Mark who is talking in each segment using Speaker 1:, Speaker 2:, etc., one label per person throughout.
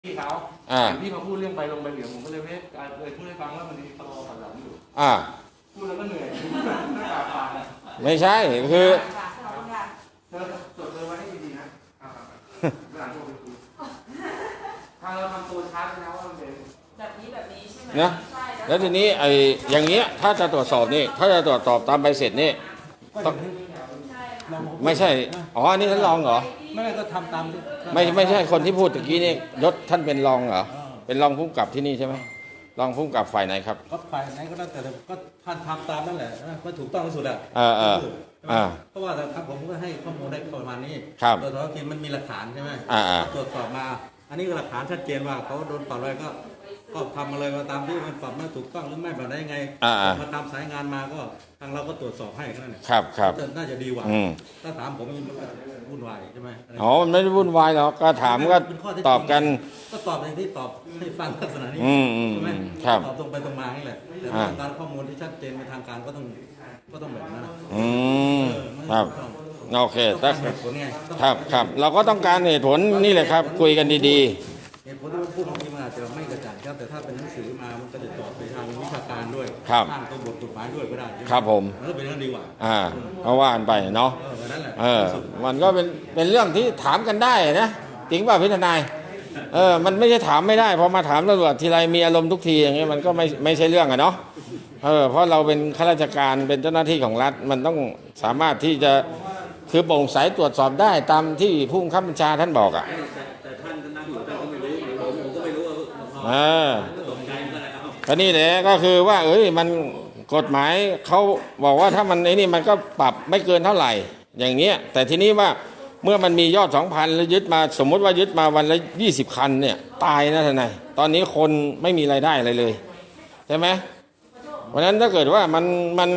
Speaker 1: พี่เขาพี่มาพูดเรื่องใบลงใบเหลืองผมก็เลยพูดให้ฟังว่ามันมีตลอดหลังอยู่พูดแล้วก็เหนื่อยหน้าตาปาน
Speaker 2: ไม่ใช่คือ
Speaker 1: เธอจดเลยไว้ให้ดีๆนะเวลาโทรไปคุยถ้าเราทำตัวช้านะว่ามันเป็น
Speaker 3: แบบนี้ใช่ไหม
Speaker 2: นะแล้วทีนี้ไอ้อย่างเงี้ยถ้าจะตรวจสอบนี่ถ้าจะตรวจสอบตามใบเสร็จนี่ต้องไม่ใช่อ๋อนี่ท่านรองเหรอ
Speaker 1: ไม่ก็ทำตาม
Speaker 2: ไม่ใช่คนที่พูดตะกี้นี่ยศท่านเป็นรองเหรอเป็นรองผู้กำกับที่นี่ใช่ไหมรองผู้กำกับฝ่ายไหนครับ
Speaker 1: ก็ฝ่ายไหนก็ได้แต่ก็ท่านทำตามนั่นแหละมันถูกต้องที่สุดอ่ะเพราะว่าทางผมก็ให้ข้อมูลได้ประมาณนี้โดยเฉพาะที่มันมีหลักฐานใช่ไหมตรวจสอบมาอันนี้ก็หลักฐานชัดเจนว่าเขาโดนปรับอะไรก็ทำมาเลยมาตามที่มันปรับมาถูกต้องหรือไม่แบบไหนยังไงมาตามสายงานมาก็ทางเราก็ตรวจสอบให้แค่นั้นเอง
Speaker 2: ครับ
Speaker 1: น่าจะดีกว่าถ้าถามผมมันวุ่นวายใช่ไหม
Speaker 2: อ๋อมันไม่ได้วุ่นวายหรอกก็ถามก็ตอบกัน
Speaker 1: ก็ตอบในที่ตอบให้ฟังลักษณะนี้ใช่ไหมตอบตรงไปตรงมานี่แหละแต่การข้อมูลที่ชัดเจนในทางการก็ต้องแบบนั้น
Speaker 2: ครับโอเคครับเราก็ต้องการเหตุผลนี่แหละครับคุยกันดี
Speaker 1: ๆเหตุผลที่พูดบางทีมันอาจจะไม่กระจ่างครับแต่ถ้าเป็นหนังสือมามันก็จะตอบไปทางวิชาการด้วยทางตัวบทกฎหมายด้วยก็ได้
Speaker 2: ครับผม
Speaker 1: มันก็เป็นเรื่องดีกว่า
Speaker 2: เพราะว่ากันไปเนาะมันก็เป็นเรื่องที่ถามกันได้นะจริงป่ะพี่ทนายมันไม่ใช่ถามไม่ได้พอมาถามตำรวจทีไรมีอารมณ์ทุกทีอย่างเงี้ยมันก็ไม่ใช่เรื่องอะเนาะเพราะเราเป็นข้าราชการเป็นเจ้าหน้าที่ของรัฐมันต้องสามารถที่จะคือโปร่งใสตรวจสอบได้ตามที่ผู้บังคับบัญชาท่านบอกอ่ะ
Speaker 1: แต่ท่านนั่งอยู่ท่านก็ไม่รู้ผมก็ไม่รู้
Speaker 2: ตกใจก็นี่แหละก็คือว่ามันกฎหมายเขาบอกว่าถ้ามันไอ้นี่มันก็ปรับไม่เกินเท่าไหร่อย่างเงี้ยแต่ทีนี้ว่าเมื่อมันมียอด 2,000 แล้วยึดมาสมมติว่ายึดมาวันละ20 คันเนี่ยตายนะท่านนายตอนนี้คนไม่มีรายได้อะไรเลยใช่ไหมเพราะนั้นถ้าเกิดว่ามัน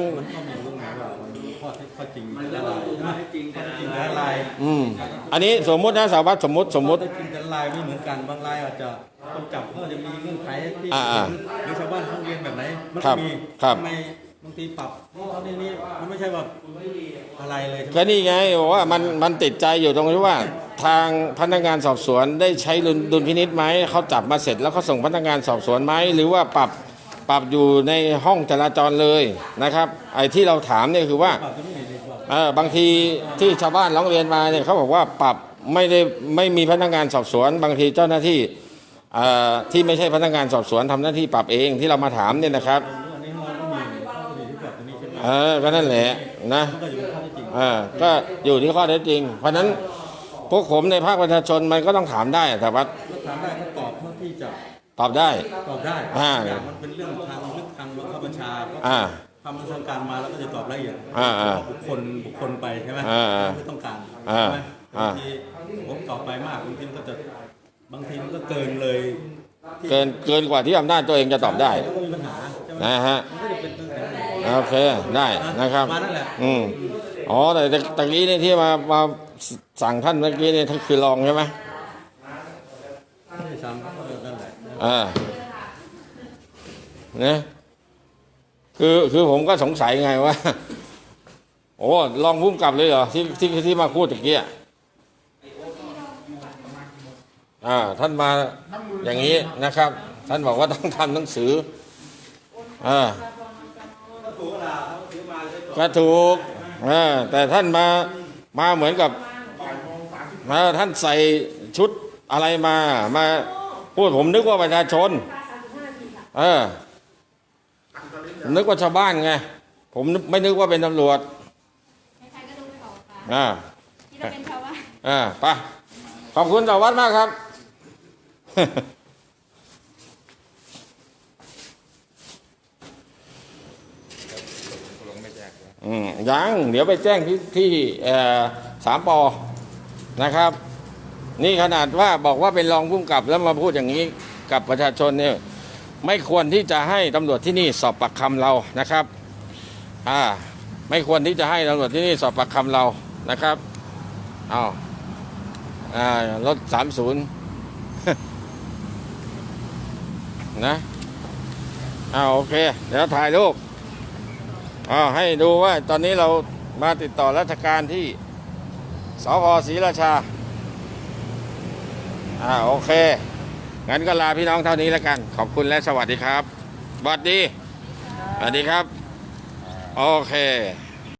Speaker 1: ข้อจริงอะไร
Speaker 2: อันนี้สมมตินะสาววัดสมมติ
Speaker 1: จริงแต่ลายไม่เหมือนกันบางลายอาจจะต้องจับเพื่อจะมีเงื่อนไขที่หรือชาวบ้านเขาเรียนแบบไหนมันมีทำไมบางทีปรับนี่มันไม่ใช่แบบอะไรเลย
Speaker 2: ก็นี่ไงบอกว่ามันติดใจอยู่ตรงที่ว่าทางพนักงานสอบสวนได้ใช้ดุลพินิจไหมเขาจับมาเสร็จแล้วเขาส่งพนักงานสอบสวนไหมหรือว่าปรับอยู่ในห้องจราจรเลยนะครับไอ้ที่เราถามเนี่ยคือว่าบางทีที่ชาวบ้านร้องเรียนมาเนี่ยเขาบอกว่าปรับไม่มีพนักงานสอบสวนบางทีเจ้าหน้าที่ที่ไม่ใช่พนักงานสอบสวนทำหน้าที่ปรับเองที่เรามาถามเนี่ยนะครับก็นั่นแหละนะก็อยู่ที่ข้อเท็จจริงเพราะนั้นพวกผมในภาคประชาชนมันก็ต้องถามได้แต่ว่า
Speaker 1: ถามได้ก็ตอบเท่าที่จะ
Speaker 2: ตอบได้
Speaker 1: มันเป็นเรื่องทางลึกทางบังคับบัญชาทำทางการมาแล้วก็จะตอบละเอียดบุคคลไปใช่ไหมไม่ต้องการใช่ไหมบางทีผมตอบไปมากบางทีมันก็เกินเลย
Speaker 2: เกินกว่าที่อำนาจตัวเองจะตอบได้นะฮะโอเคได้นะครับอ๋อแต่ตะกี้นี่ที่มาสั่งท่านเมื่อกี้นี่ท่านคือรองใช่ไหมเนี่ยคือผมก็สงสัยไงว่าโอ้ลองพุ่มกลับเลยเหรอที่มาพูดตะกี้ท่านมาอย่างนี้นะครับท่านบอกว่าต้องทำหนังสือก็ถูกแต่ท่านมาเหมือนกับท่านใส่ชุดอะไรมาพูดผมนึกว่าประชาชนนึกว่าชาวบ้านไงผมไม่นึกว่าเป็นตำรวจ
Speaker 3: ใครๆก็ดูไม่ออกค่ะที่เราเป็นชาวบ้าน
Speaker 2: ไปขอบคุณสารวัตรมากครับยังเดี๋ยวไปแจ้งที่3 ป.นะครับนี่ขนาดว่าบอกว่าเป็นรองผู้กำกับแล้วมาพูดอย่างนี้กับประชาชนเนี่ยไม่ควรที่จะให้ตำรวจที่นี่สอบปากคำเรานะครับไม่ควรที่จะให้ตำรวจที่นี่สอบปากคำเรานะครับรถ30นะโอเคเดี๋ยวถ่ายรูปให้ดูว่าตอนนี้เรามาติดต่อราชการที่สภ.ศรีราชาโอเคงั้นก็ลาพี่น้องเท่านี้แล้วกัน ขอบคุณและสวัสดีครับสวัสดี สวัสดีครับ โอเค